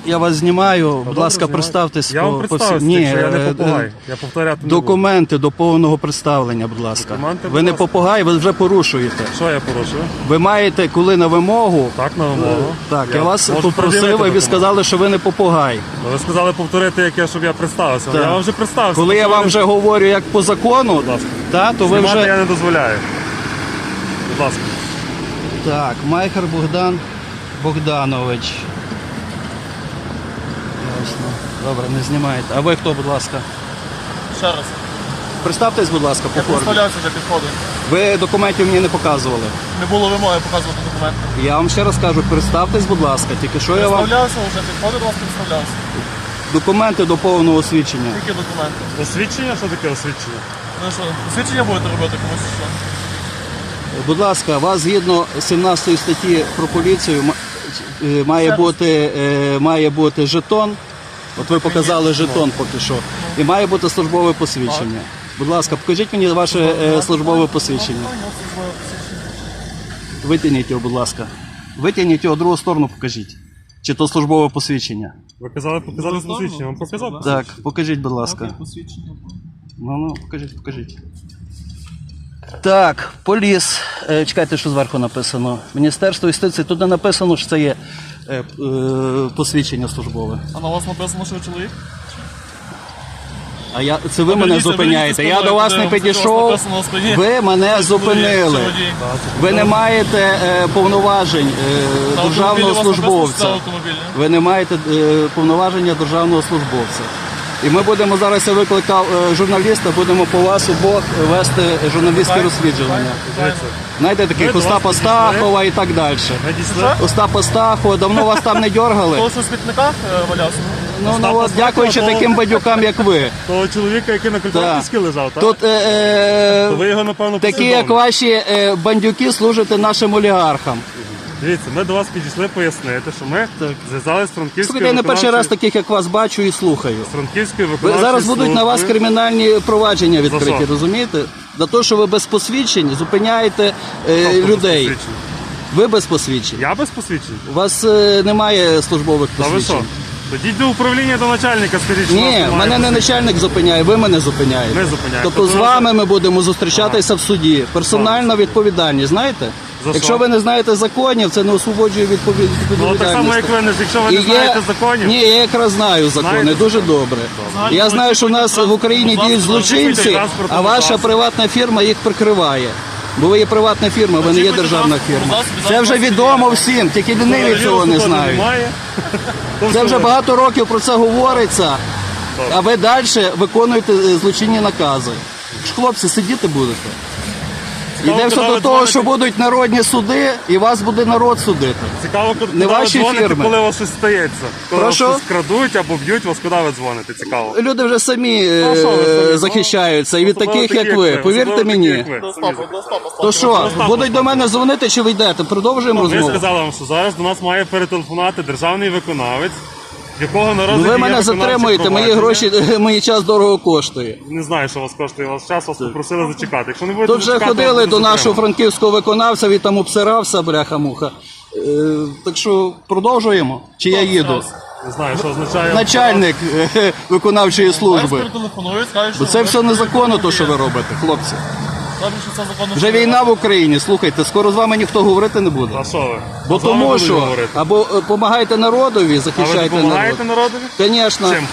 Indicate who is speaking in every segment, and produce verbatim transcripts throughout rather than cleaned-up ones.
Speaker 1: я вас знімаю. Будь
Speaker 2: добре,
Speaker 1: ласка,
Speaker 2: знімайте.
Speaker 1: представтесь.
Speaker 2: Я вам
Speaker 1: по- по
Speaker 2: представився,
Speaker 1: всі-
Speaker 2: якщо я не
Speaker 1: е,
Speaker 2: попугай.
Speaker 1: е,
Speaker 2: Я повторяти не буду.
Speaker 1: Документи до повного представлення, будь ласка.
Speaker 2: Документи, будь
Speaker 1: Ви не
Speaker 2: ласка.
Speaker 1: попугай, ви вже порушуєте.
Speaker 2: Що я порушую?
Speaker 1: Ви маєте, коли на вимогу.
Speaker 2: Так, на вимогу.
Speaker 1: Так, я, вас
Speaker 2: можу
Speaker 1: попросив,
Speaker 2: пред'явити
Speaker 1: і ви
Speaker 2: документ.
Speaker 1: сказали, що ви не попугай.
Speaker 2: Ну, ви сказали повторити, яке, щоб я представився.
Speaker 1: Так.
Speaker 2: Я вам вже представився.
Speaker 1: Коли я вам вже говорю як по закону,
Speaker 2: ласка.
Speaker 1: та, то ви
Speaker 2: Знімати
Speaker 1: вже...
Speaker 2: я не дозволяю. Будь ласка.
Speaker 1: Так, Майхер Богдан Богданович. Ясно. Добре, не знімаєте. А ви хто, будь ласка?
Speaker 3: Ще раз.
Speaker 1: Представтесь, будь ласка, по
Speaker 3: Я
Speaker 1: формі.
Speaker 3: представлявся вже підходом.
Speaker 1: Ви документів мені не показували.
Speaker 3: Не було вимоги показувати документи.
Speaker 1: Я вам ще раз кажу, представтесь, будь ласка, тільки що я вам...
Speaker 3: Представлявся вже, підходив до вас, представлявся.
Speaker 1: Документи до повного освідчення.
Speaker 3: Які документи?
Speaker 2: Освідчення? Що таке освідчення?
Speaker 3: Ну що, посвідчення будете робити комусь що?
Speaker 1: Будь ласка, вас згідно сімнадцятої статті про поліцію м- е, має
Speaker 3: Ще раз.
Speaker 1: бути, е, має бути жетон. От ви показали жетон поки що. І має бути службове посвідчення. Будь ласка, покажіть мені ваше е, службове посвідчення. Витягніть його, будь ласка. Витягніть його в другу сторону, покажіть. Чи то службове посвідчення?
Speaker 2: Ви казали показати посвідчення. Вам показав?
Speaker 1: Так, покажіть, будь ласка.
Speaker 3: Посвідчення.
Speaker 1: Ну, ну, покажіть, покажіть. Так, поліс. Е, чекайте, що зверху написано. Міністерство юстиції. Тут не написано, що це є е, е, посвідчення службове.
Speaker 3: А на вас написано, що ви чоловік?
Speaker 1: А я, це ви мене
Speaker 3: Верніться,
Speaker 1: зупиняєте.
Speaker 3: верніться,
Speaker 1: Я до вас не
Speaker 3: подивимося,
Speaker 1: підійшов.
Speaker 3: що написано на спині.
Speaker 1: Ви мене
Speaker 3: Чи
Speaker 1: зупинили.
Speaker 3: водій, чи водій.
Speaker 1: Ви не маєте е, повноважень е,
Speaker 3: На
Speaker 1: державного
Speaker 3: автомобілі у вас написано, що це
Speaker 1: службовця.
Speaker 3: автомобіль, ні?
Speaker 1: Ви не маєте е, повноваження державного службовця. І ми будемо зараз, я викликав е, журналіста, будемо по вас обох вести журналістське розслідування.
Speaker 2: Дивіться.
Speaker 1: Знаєте, таких
Speaker 2: Ми до вас
Speaker 1: Остапа
Speaker 2: підійшли.
Speaker 1: Стахова і так далі.
Speaker 2: Ви дійшли?
Speaker 1: Остапа Стахова, давно вас там не дергали?
Speaker 3: Того, що в смітниках е, валявся?
Speaker 1: Ну, ну
Speaker 2: Остапа
Speaker 1: от, дякуючи
Speaker 2: Стахова,
Speaker 1: таким бадюкам, як ви.
Speaker 2: Того чоловіка, який на
Speaker 1: Так.
Speaker 2: культурній лежав, так?
Speaker 1: Тут е,
Speaker 2: То ви
Speaker 1: е,
Speaker 2: його, напевно,
Speaker 1: такі, як
Speaker 2: послідовно.
Speaker 1: ваші е, бандюки, служите нашим олігархам.
Speaker 2: Дивіться, ми до вас підійшли пояснити, що ми
Speaker 1: Так.
Speaker 2: зв'язали з Франківською
Speaker 1: Слухайте, я не перший раз
Speaker 2: виконавчою...
Speaker 1: таких, як вас, бачу і слухаю.
Speaker 2: з Франківською
Speaker 1: Ви
Speaker 2: виконавчою
Speaker 1: зараз будуть на вас
Speaker 2: службою.
Speaker 1: кримінальні провадження
Speaker 2: За
Speaker 1: відкриті,
Speaker 2: що?
Speaker 1: розумієте? За те, що ви без посвідчень зупиняєте е,
Speaker 2: Тобто без
Speaker 1: людей.
Speaker 2: посвідчень.
Speaker 1: Ви без посвідчень.
Speaker 2: Я без посвідчень?
Speaker 1: У вас е, немає службових
Speaker 2: Та ви що?
Speaker 1: посвідчень.
Speaker 2: Тоді до управління до начальника, скажіть, що у нас
Speaker 1: Ні,
Speaker 2: немає
Speaker 1: мене не
Speaker 2: посвідчень.
Speaker 1: начальник зупиняє, ви мене зупиняєте.
Speaker 2: Ми зупиняємо.
Speaker 1: Тобто
Speaker 2: Тобто
Speaker 1: з
Speaker 2: ви-
Speaker 1: вами ми будемо зустрічатися в суді. Персональна відповідальність, знаєте?
Speaker 2: За
Speaker 1: Якщо
Speaker 2: що?
Speaker 1: ви не знаєте законів, це не освободжує від пові-
Speaker 2: Ну,
Speaker 1: відповідальності.
Speaker 2: так само, як ви, не- якщо ви
Speaker 1: І
Speaker 2: не знаєте законів,
Speaker 1: Ні, я якраз знаю закони,
Speaker 2: Знаєте?
Speaker 1: дуже добре. Я знаю, що у нас в Україні діють злочинці, а ваша приватна фірма їх прикриває. Бо ви є приватна фірма, ви не є державна фірма. Це вже відомо всім, тільки ліниві цього не знають.
Speaker 2: Немає.
Speaker 1: Це вже багато років про це говориться, а ви далі виконуєте е, злочинні накази. Ж, хлопці, сидіти будете. Йде все
Speaker 2: коли
Speaker 1: до
Speaker 2: ви
Speaker 1: того,
Speaker 2: дзвоните-
Speaker 1: що будуть народні суди, і вас буде народ судити.
Speaker 2: Цікаво, куди
Speaker 1: Не
Speaker 2: ви
Speaker 1: ваші
Speaker 2: дзвоните,
Speaker 1: фірми.
Speaker 2: коли у вас щось стається. Коли
Speaker 1: Прошу?
Speaker 2: вас щось крадуть або б'ють вас, куди ви дзвоните? Цікаво.
Speaker 1: Люди вже самі е,
Speaker 2: Ну, що ви самі?
Speaker 1: захищаються, і від
Speaker 2: Особливо
Speaker 1: таких,
Speaker 2: такі,
Speaker 1: як ви.
Speaker 2: Особливо
Speaker 1: Повірте
Speaker 2: такі,
Speaker 1: мені.
Speaker 2: як ви.
Speaker 3: До
Speaker 2: Самі
Speaker 3: Остапа, до Остапа.
Speaker 1: То що,
Speaker 2: Остапа.
Speaker 1: будуть до мене дзвонити, чи ви йдете? Продовжуємо
Speaker 2: Ми
Speaker 1: розмову.
Speaker 2: сказали вам, що зараз до нас має перетелефонувати державний виконавець, в якого на
Speaker 1: Ну,
Speaker 2: розгляді
Speaker 1: ви
Speaker 2: є
Speaker 1: мене
Speaker 2: виконавче
Speaker 1: затримуєте, мої
Speaker 2: провадження.
Speaker 1: гроші, мій час дорого коштує.
Speaker 2: Не знаю, що вас коштує ваш час, вас попросили зачекати. Якщо не будете
Speaker 1: Тут вже
Speaker 2: зачекати,
Speaker 1: ходили
Speaker 2: вас
Speaker 1: до
Speaker 2: буде
Speaker 1: нашого
Speaker 2: затримано.
Speaker 1: франківського виконавця, він там обсирався, бляха-муха. Е, так що продовжуємо? Чи я їду?
Speaker 2: Не знаю, що означає.
Speaker 1: Начальник е, виконавчої
Speaker 3: Зараз
Speaker 1: служби.
Speaker 3: перетелефонують, скажуть, що
Speaker 1: Бо це
Speaker 3: ви-
Speaker 1: все незаконно, то, що ви робите, хлопці.
Speaker 3: Кажуть, що це законно.
Speaker 1: Вже війна в Україні, слухайте, скоро з вами ніхто говорити не буде.
Speaker 2: А що ви?
Speaker 1: Бо
Speaker 2: З вами
Speaker 1: тому
Speaker 2: будуть
Speaker 1: що
Speaker 2: говорити.
Speaker 1: або допомагайте народові,
Speaker 2: А ви
Speaker 1: захищайте народ.
Speaker 2: допомагаєте народові?
Speaker 1: Звісно,
Speaker 2: Чим?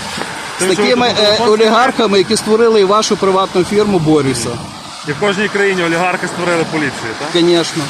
Speaker 1: з
Speaker 2: Тим, що ви
Speaker 1: такими
Speaker 2: тут
Speaker 1: е,
Speaker 2: телефон
Speaker 1: олігархами, які створили і вашу приватну фірму, борюся.
Speaker 2: І в кожній країні олігархи створили поліцію, так?
Speaker 1: Звісно.
Speaker 2: Ясно.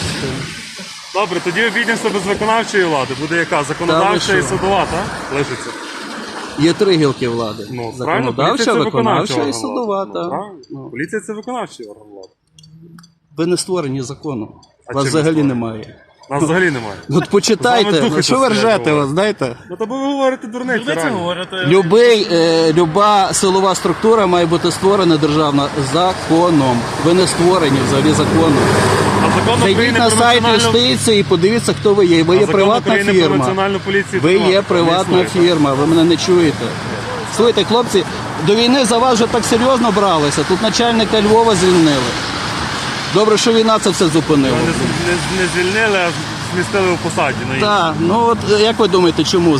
Speaker 2: Добре, тоді обійдемося без виконавчої влади. Буде яка? Законодавча
Speaker 1: Та ви
Speaker 2: і
Speaker 1: що?
Speaker 2: судова, так? Лишиться.
Speaker 1: Є три гілки влади.
Speaker 2: Ну, правильно, поліція
Speaker 1: Законодавча,
Speaker 2: це
Speaker 1: виконавча
Speaker 2: виконавчий
Speaker 1: і
Speaker 2: орган
Speaker 1: судова.
Speaker 2: влади.
Speaker 1: та.
Speaker 2: Ну, правильно.
Speaker 1: Ну,
Speaker 2: Поліція це виконавчий орган влади.
Speaker 1: ви не створені законом.
Speaker 2: А
Speaker 1: Вас
Speaker 2: чим
Speaker 1: взагалі
Speaker 2: ви створені?
Speaker 1: немає.
Speaker 2: Нас взагалі немає.
Speaker 1: От
Speaker 2: З вами
Speaker 1: почитайте,
Speaker 2: духи
Speaker 1: ну, що ви
Speaker 2: щось
Speaker 1: ржете,
Speaker 2: говорять.
Speaker 1: вас, знаєте?
Speaker 2: Ну то ви говорите дурниці,
Speaker 3: Люди це
Speaker 2: реально.
Speaker 3: говорять.
Speaker 1: Любий, е, люба силова структура має бути створена державна законом. Ви не створені взагалі законом.
Speaker 2: А закон
Speaker 1: Зайдіть
Speaker 2: України
Speaker 1: на
Speaker 2: про
Speaker 1: сайт
Speaker 2: національну...
Speaker 1: юстиції і подивіться, хто ви є. Ви
Speaker 2: А
Speaker 1: є
Speaker 2: закон
Speaker 1: приватна
Speaker 2: України про
Speaker 1: фірма.
Speaker 2: національну поліцію
Speaker 1: Ви є
Speaker 2: приватна,
Speaker 1: приватна
Speaker 2: не існує, так?
Speaker 1: фірма, ви мене не чуєте. Слухайте, хлопці, до війни за вас вже так серйозно бралися. Тут начальника Львова звільнили. Добре, що війна це все зупинила.
Speaker 2: Не, не, не звільнили, а змістили у посаді. на іншій.
Speaker 1: Так, ну от як ви думаєте, чому?